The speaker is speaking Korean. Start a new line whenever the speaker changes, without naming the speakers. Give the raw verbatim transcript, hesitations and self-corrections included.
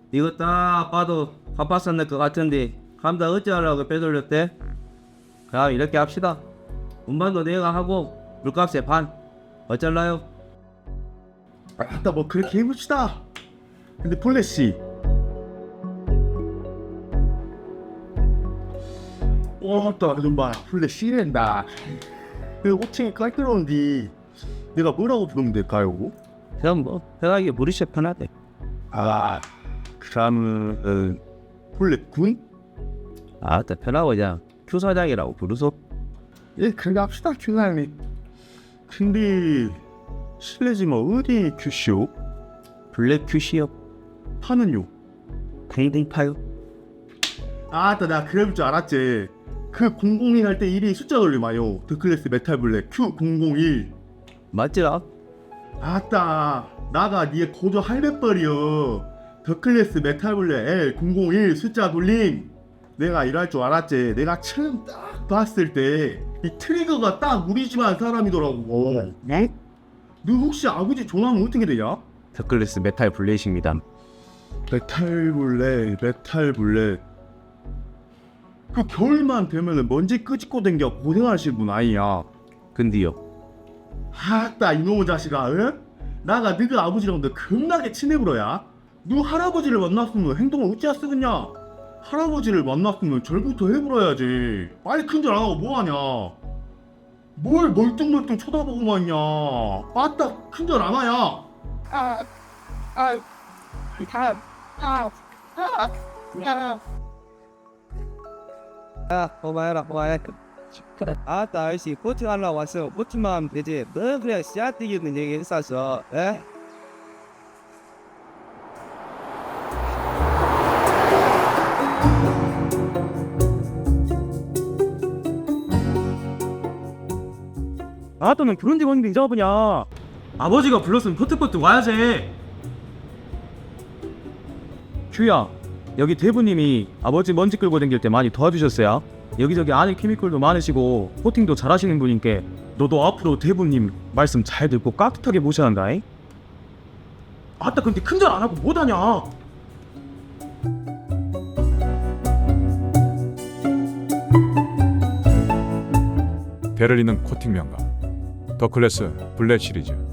이거 딱 봐도 갚았었는 것 같은데 감다 어찌하려고 빼돌렸대? 자 이렇게 합시다. 운반도 내가 하고 물값의 반 어쩔라요?
아따 뭐 그렇게 해봅시다. 근데 플래시 와따 좀 봐. 플래시랜다. 그 호칭이 깔끔한데 내가 뭐라고 부르면 될까요?
그럼 뭐 편하게 부르셔 편하대.
아 그러면 플랫군?
아따 편하고 그냥 큐 사장이라고 부르소.
예 그렇게 합시다 큐사님. 근데 실례지만 어디 큐쇼?
블랙 큐시요.
파는요?
팽팽파요.
아따 나 그럴 줄 알았지. 그 공공일 할 때 일이 숫자 돌리마요. 더클래스 메탈 블랙 큐 공공일.
맞지라?
아따 나가 니의 고조 할배벌이여. 더클래스 메탈 블랙 엘 공공일 숫자 돌림. 내가 일할 줄 알았지. 내가 처음 딱 봤을 때 이 트리거가 딱 우리 집안 사람이더라고.
네?
너 혹시 아버지 종합은 어떻게 되냐?
더클래스 메탈 블레이십니다.
메탈 블랙 메탈 블랙 그 겨울만 되면은 먼지 끄집고 댕겨 고생하시는 분 아니야.
근데요.
아따 이놈의 자식아. 응? 나가 너가 아버지랑 너 겁나게 친해불어야. 너 할아버지를 만났으면 행동을 어찌 쓰겠냐. 할아버지를 만났으면 절부터 해불어야지. 빨리 큰절 안하고 뭐하냐. 뭘 멀뚱멀뚱 쳐다보고만 있냐. 아따 큰절 안하냐.
아, 아, 다, 아, 아, 야.
야 고마해라 고마해. 아따 아저씨 코팅하려고 왔어. 코팅만 하면 되지 너 그냥 씨앗 뛰기는 얘기 했었어. 에?
아또 넌 그런 직원인데 이제 와보냐. 아버지가 불렀으면 퍼뜩퍼뜩 와야지. 큐야 여기 대부님이 아버지 먼지 끌고 댕길 때 많이 도와주셨어요. 여기저기 안에 케미컬도 많으시고 코팅도 잘하시는 분인께 너도 앞으로 대부님 말씀 잘 듣고 깍듯하게 모셔야 한다잉. 아따 근데 큰절 안하고 뭐하냐.
베를린은 코팅 명가 더클래스 블랙 시리즈